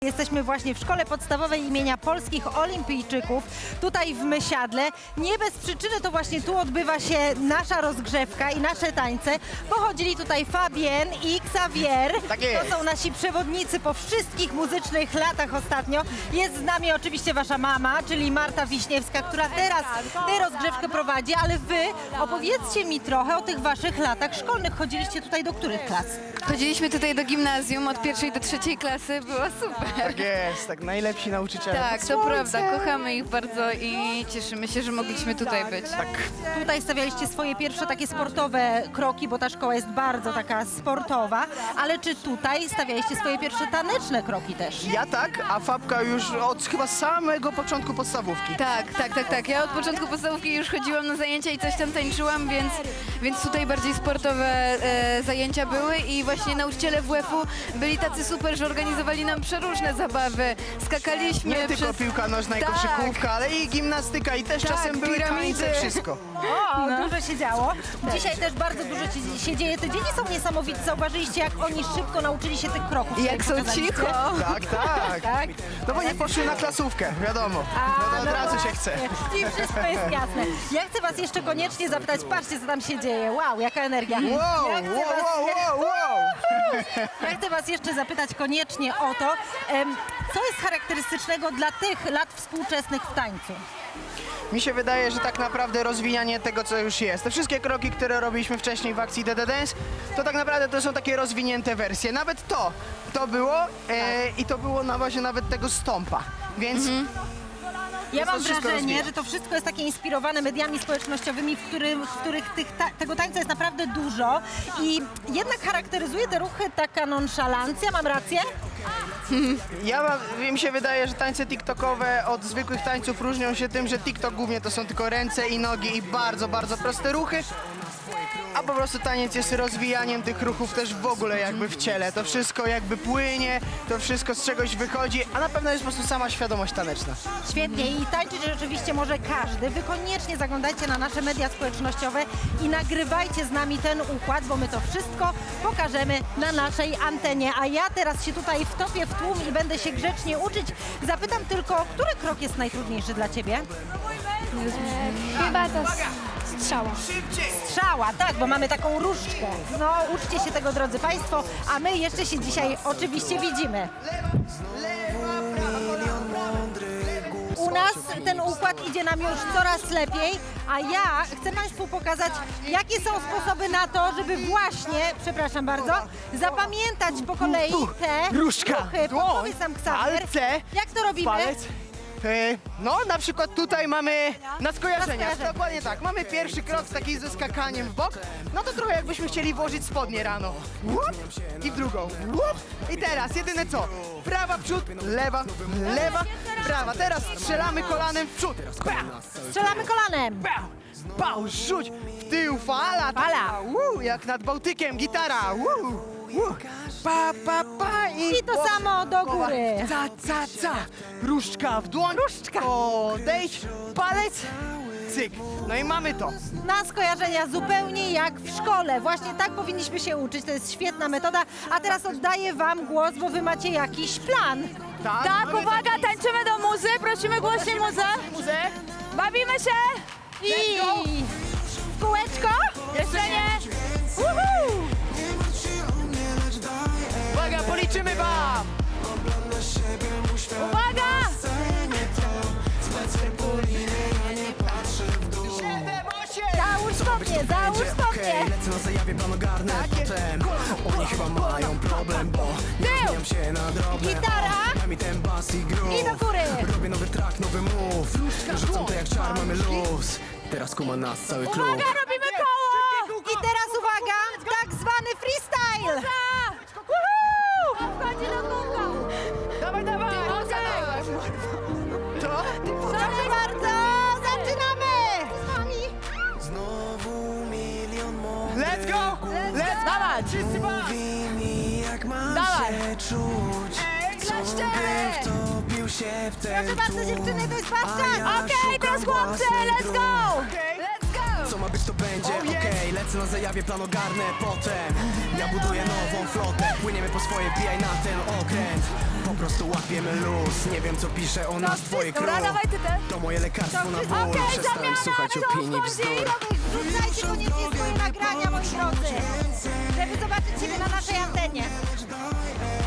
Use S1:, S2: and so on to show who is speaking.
S1: Jesteśmy właśnie w Szkole Podstawowej imienia Polskich Olimpijczyków, tutaj w Mysiadle. Nie bez przyczyny to właśnie tu odbywa się nasza rozgrzewka i nasze tańce. Pochodzili tutaj Fabien i Xavier.
S2: Tak jest.
S1: To są nasi przewodnicy po wszystkich muzycznych latach ostatnio. Jest z nami oczywiście wasza mama, czyli Marta Wiśniewska, która teraz tę rozgrzewkę prowadzi, ale wy opowiedzcie mi trochę o tych waszych latach szkolnych. Chodziliście tutaj do których klas?
S3: Chodziliśmy tutaj do gimnazjum od 1. do 3. klasy, było super.
S2: Tak jest, tak najlepsi nauczyciele.
S3: Tak,
S2: pod
S3: to
S2: słońcem.
S3: prawda, kochamy ich bardzo i cieszymy się, że mogliśmy tutaj być.
S2: Tak.
S1: Tutaj stawialiście swoje pierwsze takie sportowe kroki, bo ta szkoła jest bardzo taka sportowa, ale czy tutaj stawialiście swoje pierwsze taneczne kroki też?
S2: Ja tak, a Fabka już od chyba samego początku podstawówki.
S3: Tak. Ja od początku podstawówki już chodziłam na zajęcia i coś tam tańczyłam, więc tutaj bardziej sportowe zajęcia były i właśnie nauczyciele WF-u byli tacy super, że organizowali nam przeróżne zabawy. Skakaliśmy
S2: Nie tylko
S3: przez...
S2: piłka nożna i
S3: Tak.
S2: koszykówka, ale i gimnastyka i też
S3: Tak,
S2: czasem były
S3: piramidy.
S2: tańce, wszystko.
S1: O, dużo się działo. Dzisiaj też bardzo dużo się dzieje. Te dzieci są niesamowici. Zauważyliście, jak oni szybko nauczyli się tych kroków.
S3: Jak
S1: których
S3: są
S1: pokazaliście?
S3: cicho.
S2: Tak.
S1: Tak?
S2: No bo nie poszły na klasówkę, wiadomo. No to od razu się chce.
S1: I wszystko jest jasne. Ja chcę was jeszcze koniecznie zapytać, patrzcie, co tam się dzieje. Wow, jaka energia.
S2: Wow.
S1: Ja chcę was jeszcze zapytać koniecznie o to, co jest charakterystycznego dla tych lat współczesnych w tańcu?
S2: Mi się wydaje, że tak naprawdę rozwijanie tego, co już jest. Te wszystkie kroki, które robiliśmy wcześniej w akcji DD Dance, to tak naprawdę to są takie rozwinięte wersje. Nawet to było i to było na bazie nawet tego stąpa. Więc
S1: Ja
S2: to
S1: mam
S2: wszystko
S1: wrażenie,
S2: rozwija.
S1: że to wszystko jest takie inspirowane mediami społecznościowymi, w których tego tańca jest naprawdę dużo i jednak charakteryzuje te ruchy taka nonszalancja, mam rację?
S2: mi się wydaje, że tańce tiktokowe od zwykłych tańców różnią się tym, że TikTok głównie to są tylko ręce i nogi i bardzo, bardzo proste ruchy. A po prostu taniec jest rozwijaniem tych ruchów też w ogóle jakby w ciele. To wszystko jakby płynie, to wszystko z czegoś wychodzi, a na pewno jest po prostu sama świadomość taneczna.
S1: Świetnie i tańczyć rzeczywiście może każdy. Wy koniecznie zaglądajcie na nasze media społecznościowe i nagrywajcie z nami ten układ, bo my to wszystko pokażemy na naszej antenie. A ja teraz się tutaj wtopię w tłum i będę się grzecznie uczyć. Zapytam tylko, który krok jest najtrudniejszy dla ciebie?
S4: Chyba to strzała.
S1: Strzała, tak, bo mamy taką różdżkę. No, uczcie się tego, drodzy Państwo, a my jeszcze się dzisiaj oczywiście widzimy. U nas ten układ idzie nam już coraz lepiej, a ja chcę Państwu pokazać, jakie są sposoby na to, żeby właśnie, przepraszam bardzo, zapamiętać po kolei te
S2: Różdżka,
S1: ruchy.
S2: dłoń,
S1: Podpowiedz nam, Xavier,
S2: palce,
S1: jak to robimy?
S2: palec. No, na przykład tutaj mamy na skojarzenia.
S1: Na skojarzenia.
S2: Dokładnie tak. Mamy pierwszy krok taki ze skakaniem w bok. No to trochę jakbyśmy chcieli włożyć spodnie rano. Łup, i w drugą. Łup. I teraz jedyne co? Prawa w przód, lewa, prawa. Teraz strzelamy kolanem w przód.
S1: Strzelamy kolanem.
S2: Pał, rzuć w tył, fala.
S1: Fala.
S2: Jak nad Bałtykiem, gitara. Pa.
S1: I to samo do góry.
S2: Ca. Różdżka w dłoń.
S1: Różdżka.
S2: Odejdź, palec, cyk. No i mamy to.
S1: Na skojarzenia zupełnie jak w szkole. Właśnie tak powinniśmy się uczyć. To jest świetna metoda. A teraz oddaję wam głos, bo wy macie jakiś plan.
S3: Tak,
S2: mamy
S3: uwaga, tańczymy do muzy, prosimy głośniej muzę.
S2: muzę.
S3: Bawimy się!
S1: I w kółeczko.
S3: Jeszcze nie!
S1: Uhu!
S2: Uwaga, policzymy wam.
S3: Uwaga!
S2: 7, 8.
S1: Załóż spodnie, załóż spodnie.
S5: Lecę na zajawie, plan ogarnę potem. Oni chyba mają problem, bo ja zmieniam się na drobne.
S1: Gitara.
S5: Daj mi ten bas i groove.
S1: I do góry.
S5: Robię nowy track, nowy move. Rzucam to jak czar, mamy luz. Teraz kuma nas cały klub.
S1: Uwaga, robimy koło. I teraz uwaga, tak zwany freestyle. Wchodzi do kółka.
S2: Dawaj. To?
S1: Proszę bardzo, zaczynamy. Z nami.
S5: Znowu milion
S2: Let's go.
S3: Dawać!
S2: Wszyscy wam.
S5: mówi mi, jak mam
S3: Dawaj.
S5: się czuć.
S1: Klaszcze.
S5: Wtopił się w ten
S1: Proszę bardzo,
S5: tłum.
S1: dziewczyny, to jest wasz czas.
S5: Ja
S3: Okej, teraz
S5: szukam
S3: chłopcy,
S5: własnej
S3: let's go!
S2: Okej.
S3: Let's go!
S5: Co ma być to będzie. Okej, lecę na zajawie, plan ogarnę potem. Ja buduję nową flotę, płyniemy po swoje, bijaj na ten okręt. Po prostu łapiemy luz, nie wiem co pisze o nas twoje
S3: Dobra,
S5: crew.
S3: dawaj ty też.
S5: To moje lekarstwo na ból,
S3: Okej,
S5: przestałem
S3: zamiana,
S5: słuchać
S3: co
S5: opinii
S3: wchodzi?
S5: bzdur.
S1: Wrzucajcie koniecznie swoje nagrania, moi drodzy, żeby zobaczyć Ciebie na naszej antenie.